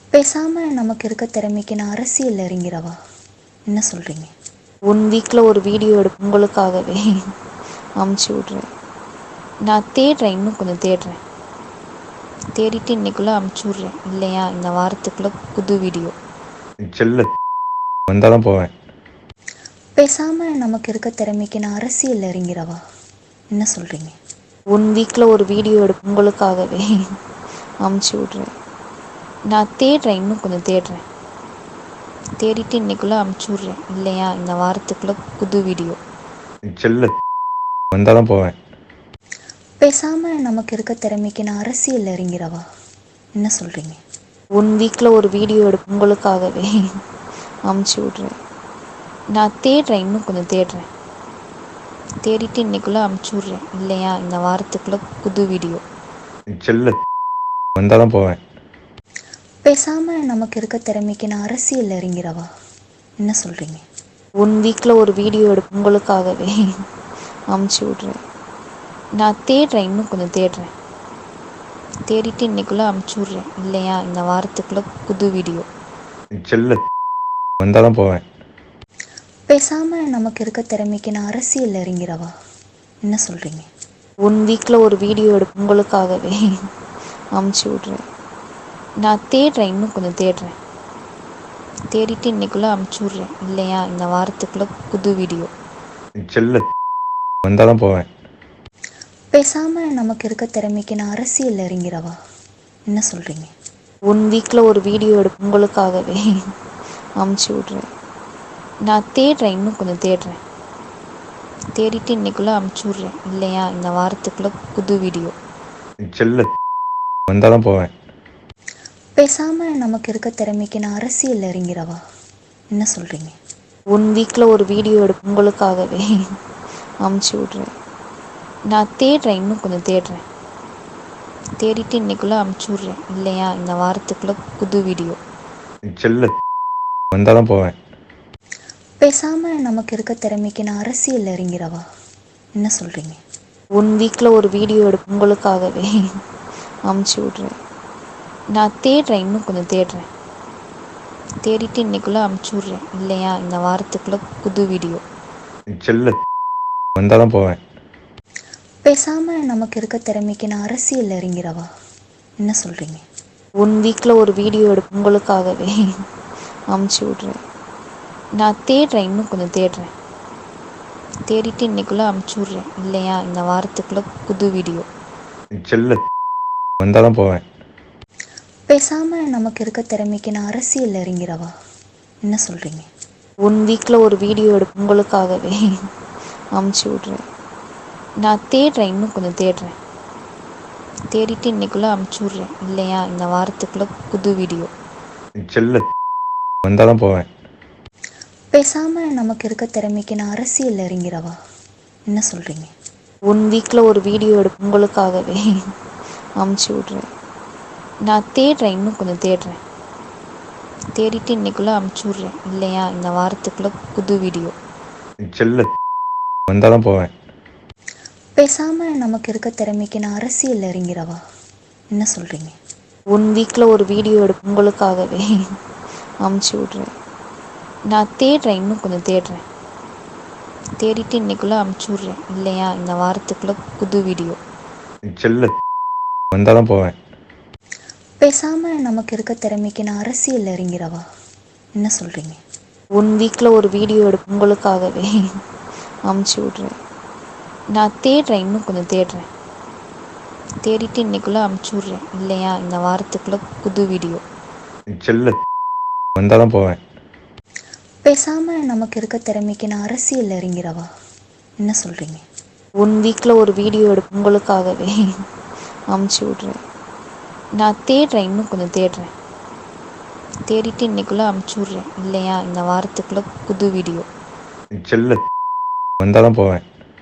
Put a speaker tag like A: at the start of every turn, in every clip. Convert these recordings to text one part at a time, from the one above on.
A: பேசாம நமக்கு இருக்க திறமைக்கு நான் அரசியல்ல இறங்கிறவா? என்ன சொல்றீங்க?
B: 1 வீக்ல ஒரு வீடியோ உங்களுக்காகவே அமுச்சு விட்றேன். நான் தேடுறேன், இன்னும் கொஞ்சம் தேடுறேன். தேடிட்டு இன்னைக்குள்ள அமுச்சு விட்றேன். இல்லையா இந்த வாரத்துக்குள்ள புது வீடியோ.
C: செல்ல வந்தாதான் போவேன்.
A: பேசாம நமக்கு இருக்க திறமைக்கு நான் அரசியல்ல இறங்கிறவா? என்ன சொல்றீங்க?
B: 1 வீக்ல ஒரு வீடியோ உங்களுக்காகவே அமுச்சு விட்றேன். நான் தேடுறேன், இன்னும் கொஞ்சம் தேடுறேன். தேடிட்டு இன்னைக்குள்ள அமுச்சு விட்றேன். இல்லையா இந்த வாரத்துக்குள்ள புது வீடியோ.
C: செல்ல வந்தாதான் போவேன்.
A: பேசாம நமக்கு இருக்க திறமைக்கு நான் அரசியல்ல இறங்கிறவா? என்ன சொல்றீங்க?
B: 1 வீக்ல ஒரு வீடியோ உங்களுக்காகவே அமுச்சு விட்றேன். நான் தேடுறேன், இன்னும் கொஞ்சம் தேடுறேன். தேடிட்டு இன்னைக்குள்ள அமுச்சு விட்றேன். இல்லையா இந்த வாரத்துக்குள்ள புது வீடியோ.
C: செல்ல வந்தாதான் போவேன்.
A: பேசாம நமக்கு இருக்க திறமைக்கு நான் அரசியல்ல இறங்கிறவா? என்ன சொல்றீங்க?
B: 1 வீக்ல ஒரு வீடியோ உங்களுக்காகவே அமுச்சு விட்றேன். நான் தேடுறேன், இன்னும் கொஞ்சம் தேடுறேன். தேடிட்டு இன்னைக்குள்ள அமுச்சு விட்றேன். இல்லையா இந்த வாரத்துக்குள்ள புது வீடியோ.
C: செல்ல வந்தாதான் போவேன்.
A: பேசாம நமக்கு இருக்க திறமைக்கு நான் அரசியல்ல இறங்கிறவா? என்ன சொல்றீங்க?
B: 1 வீக்ல ஒரு வீடியோ உங்களுக்காகவே அமுச்சு விட்றேன். நான் தேடுறேன், இன்னும் கொஞ்சம் தேடுறேன். தேடிட்டு இன்னைக்குள்ள அமுச்சு விட்றேன். இல்லையா இந்த வாரத்துக்குள்ள புது வீடியோ.
C: செல்ல வந்தாதான் போவேன்.
A: பேசாம நமக்கு இருக்க திறமைக்கு நான் அரசியல்ல இறங்கிறவா? என்ன சொல்றீங்க?
B: 1 வீக்ல ஒரு வீடியோ உங்களுக்காகவே அமுச்சு விட்றேன். நான் தேடுறேன், இன்னும் கொஞ்சம் தேடுறேன். தேடிட்டு இன்னைக்குள்ள அமுச்சு விட்றேன். இல்லையா இந்த வாரத்துக்குள்ள புது வீடியோ.
C: செல்ல வந்தாதான் போவேன்.
A: பேசாம நமக்கு இருக்க திறமைக்கு நான் அரசியல்ல இறங்கிறவா? என்ன சொல்றீங்க?
B: 1 வீக்ல ஒரு வீடியோ உங்களுக்காகவே அமுச்சு விட்றேன். நான் தேடுறேன், இன்னும் கொஞ்சம் தேடுறேன். தேடிட்டு இன்னைக்குள்ள அமுச்சு விட்றேன். இல்லையா இந்த வாரத்துக்குள்ள புது வீடியோ.
C: செல்ல வந்தாதான் போவேன்.
A: பேசாம நமக்கு இருக்க திறமைக்கு நான் அரசியல்ல இறங்கிறவா? என்ன சொல்றீங்க?
B: 1 வீக்ல ஒரு வீடியோ உங்களுக்காகவே அமுச்சு விட்றேன். நான் தேடுறேன், இன்னும் கொஞ்சம் தேடுறேன். தேடிட்டு இன்னைக்குள்ள அமுச்சு விட்றேன். இல்லையா இந்த வாரத்துக்குள்ள புது வீடியோ.
C: செல்ல வந்தாதான் போவேன்.
A: பேசாம நமக்கு இருக்க திறமைக்கு நான் அரசியல்ல இறங்கிறவா? என்ன சொல்றீங்க?
B: 1 வீக்ல ஒரு வீடியோ உங்களுக்காகவே அமுச்சு விட்றேன். நான் தேடுறேன், இன்னும் கொஞ்சம் தேடுறேன். தேடிட்டு இன்னைக்குள்ள அமுச்சு விட்றேன். இல்லையா இந்த வாரத்துக்குள்ள புது வீடியோ.
C: செல்ல வந்தாதான் போவேன்.
A: பேசாம நமக்கு இருக்க திறமைக்கு நான் அரசியல்ல இறங்கிறவா? என்ன சொல்றீங்க?
B: 1 வீக்ல ஒரு வீடியோ உங்களுக்காகவே அமுச்சு விட்றேன். நான் தேடுறேன், இன்னும் கொஞ்சம் தேடுறேன். தேடிட்டு இன்னைக்குள்ள அமுச்சு விட்றேன். இல்லையா இந்த வாரத்துக்குள்ள புது வீடியோ.
C: செல்ல வந்தாதான் போவேன்.
A: பேசாம நமக்கு இருக்க திறமைக்கு நான் அரசியல்ல இறங்கிறவா? என்ன சொல்றீங்க?
B: 1 வீக்ல ஒரு வீடியோ உங்களுக்காகவே அமுச்சு விட்றேன். நான் தேடுறேன், இன்னும் கொஞ்சம் தேடுறேன். தேடிட்டு இன்னைக்குள்ள அமுச்சு விட்றேன். இல்லையா இந்த வாரத்துக்குள்ள புது வீடியோ.
C: செல்ல வந்தாதான் போவேன்.
A: பேசாம நமக்கு இருக்க திறமைக்கு நான் அரசியல்ல இறங்கிறவா? என்ன சொல்றீங்க?
B: 1 வீக்ல ஒரு வீடியோ உங்களுக்காகவே அமுச்சு விட்றேன். நான் தேடுறேன், இன்னும் கொஞ்சம் தேடுறேன். தேடிட்டு இன்னைக்குள்ள அமுச்சு விட்றேன். இல்லையா இந்த வாரத்துக்குள்ள புது வீடியோ.
C: செல்ல வந்தாதான் போவேன்.
A: பேசாம நமக்கு இருக்க திறமைக்கு நான் அரசியல்ல இறங்கிறவா? என்ன சொல்றீங்க?
B: 1 வீக்ல ஒரு வீடியோ உங்களுக்காகவே அமுச்சு விட்றேன். நான் தேடுறேன், இன்னும் கொஞ்சம் தேடுறேன். தேடிட்டு இன்னைக்குள்ள அமுச்சு விட்றேன். இல்லையா இந்த வாரத்துக்குள்ள புது வீடியோ.
C: செல்ல வந்தாதான் போவேன்.
A: பேசாம நமக்கு இருக்க திறமைக்கு நான் அரசியல்ல இறங்கிறவா? என்ன சொல்றீங்க?
B: 1 வீக்ல ஒரு வீடியோ உங்களுக்காகவே அமுச்சு விட்றேன். நான் தேடுறேன், இன்னும் கொஞ்சம் தேடுறேன். தேடிட்டு இன்னைக்குள்ள அமுச்சு விட்றேன். இல்லையா இந்த வாரத்துக்குள்ள புது வீடியோ.
C: செல்ல வந்தாதான் போவேன்.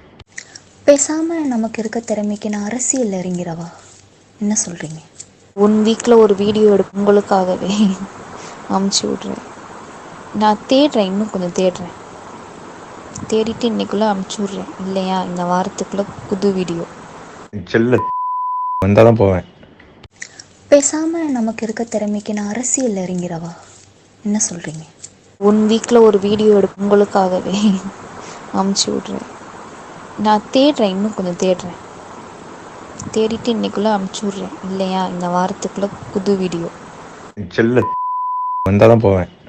A: பேசாம நமக்கு இருக்க திறமைக்கு நான் அரசியல்ல இறங்கிறவா? என்ன சொல்றீங்க?
B: 1 வீக்ல ஒரு வீடியோ உங்களுக்காகவே அமுச்சு விட்றேன். நான் தேடுறேன், இன்னும் கொஞ்சம் தேடுறேன். தேடிட்டு இன்னைக்குள்ள அமுச்சு விட்றேன். இல்லையா இந்த வாரத்துக்குள்ள புது வீடியோ.
C: செல்ல வந்தாதான் போவேன்.
A: பேசாமல் நமக்கு இருக்க திறமைக்கு நான் அரசியலில் இறங்கிறவா? என்ன சொல்கிறீங்க?
B: 1 வீக்கில் ஒரு வீடியோ உங்களுக்காகவே அமுச்சு விட்றேன். நான் தேடுறேன், இன்னும் கொஞ்சம் தேடுறேன். தேடிட்டு இன்னைக்குள்ளே அமுச்சு விட்றேன். இல்லையா இந்த வாரத்துக்குள்ளே புது வீடியோ.
C: செல்ல வந்தால் தான் போவேன்.